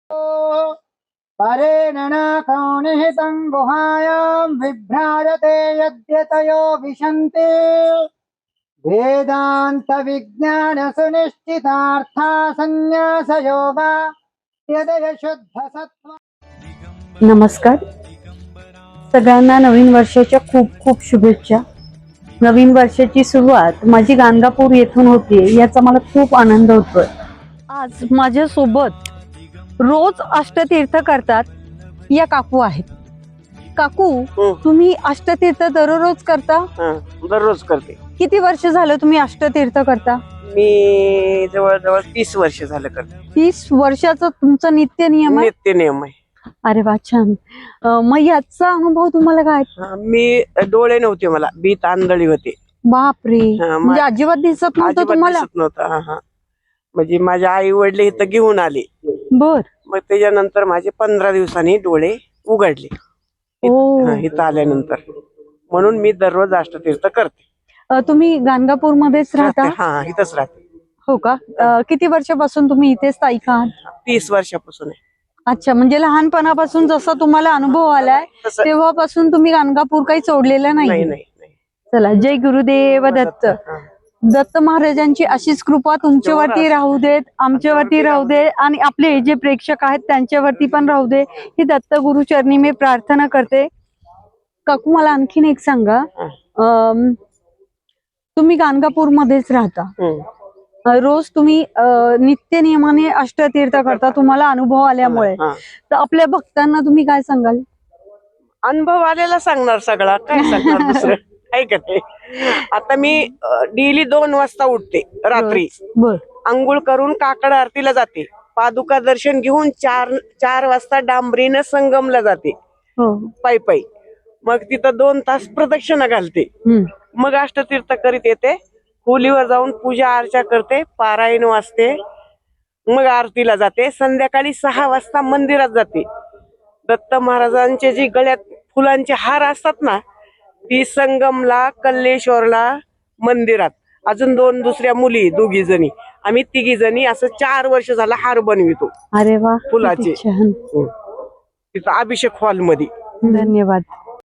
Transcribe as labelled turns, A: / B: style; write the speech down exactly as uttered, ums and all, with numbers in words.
A: परेण नाकौनिहितं गुहायां विभ्राजते यद्यतयो विशन्ति वेदांत विज्ञान सुनिश्चितार्था संन्यास योगा यदय शुद्ध सत्व।
B: नमस्कार सगळ्यांना नवीन वर्षाच्या खूप खूप शुभेच्छा। नवीन वर्षाची सुरुवात माझी गाणगापूर येथून होते याचा मला खूप आनंद होतोय। आज माझ्या सोबत रोज अष्टतीर्थ करतात या काकू आहेत। काकू तुम्ही अष्टतीर्थ दररोज करता?
C: दररोज करते।
B: किती वर्ष झालं तुम्ही अष्टतीर्थ करता?
C: मी जवळजवळ तीस वर्ष झालं करते।
B: तीस वर्षाचा तुमचा नित्य नियम आहे?
C: नित्य नियम आहे।
B: अरे वा छान। मग याचा अनुभव तुम्हाला काय?
C: मी डोळे नव्हते, मला बीत आंधळी होते।
B: बापरे, म्हणजे अजिबात दिसत नव्हतं तुम्हाला?
C: दिसत नव्हतं। हा हा म्हणजे माझ्या आई वडील इथं घेऊन आले।
B: बर।
C: मग त्याच्यानंतर माझे पंधरा दिवसांनी डोळे उघडले इथं आल्यानंतर, म्हणून मी दररोज अष्टतीर्थ करते।
B: तुम्ही गाणगापूर मध्येच राहता?
C: हा इथंच राहते।
B: हो का? किती वर्षापासून तुम्ही इथे स्थायिक आहात?
C: तीस वर्षापासून आहे।
B: अच्छा, म्हणजे लहानपणापासून जसा तुम्हाला अनुभव आलाय तेव्हापासून तुम्ही गाणगापूर काही सोडलेलं नाही?
C: नाही।
B: चला, जय गुरुदेव दत्त। दत्त महाराजांची अशीच कृपा तुमच्यावरती राहू देत, आमच्यावरती राहू दे, आणि आपले जे प्रेक्षक आहेत त्यांच्यावरती पण राहू दे, ही दत्त गुरुचरणी मी प्रार्थना करते। काकू मला आणखीन एक सांगा, तुम्ही गाणगापूर मध्येच राहता, रोज तुम्ही नित्य नियमाने अष्टतीर्थ करता तुम्हाला अनुभव आल्यामुळे, तर आपल्या भक्तांना तुम्ही काय सांगाल?
C: अनुभव आलेला सांगणार, सगळा काय सांगणार दुसरं आहे का नाही? आता मी डेली दोन वाजता उठते रात्री, अंघोळ करून काकड आरतीला जाते, पादुका दर्शन घेऊन चार चार वाजता डांबरीनं संगमला जाते पायी पायी। मग तिथं दोन तास प्रदक्षिणा घालते, मग अष्टतीर्थ करीत येते, खोलीवर जाऊन पूजा अर्चा करते, पारायण वाचते, मग आरतीला जाते, संध्याकाळी सहा वाजता मंदिरात जाते। दत्त महाराजांचे जे गळ्यात फुलांचे हार असतात ना, ती संगमला, कल्लेश्वरला, मंदिरात, अजून दोन दुसऱ्या मुली दोघी जणी, आम्ही तिघी जणी असं चार वर्ष झाला हार बनवितो।
B: अरे वा,
C: फुलाचे तिथं अभिषेक हॉल मध्ये।
B: धन्यवाद।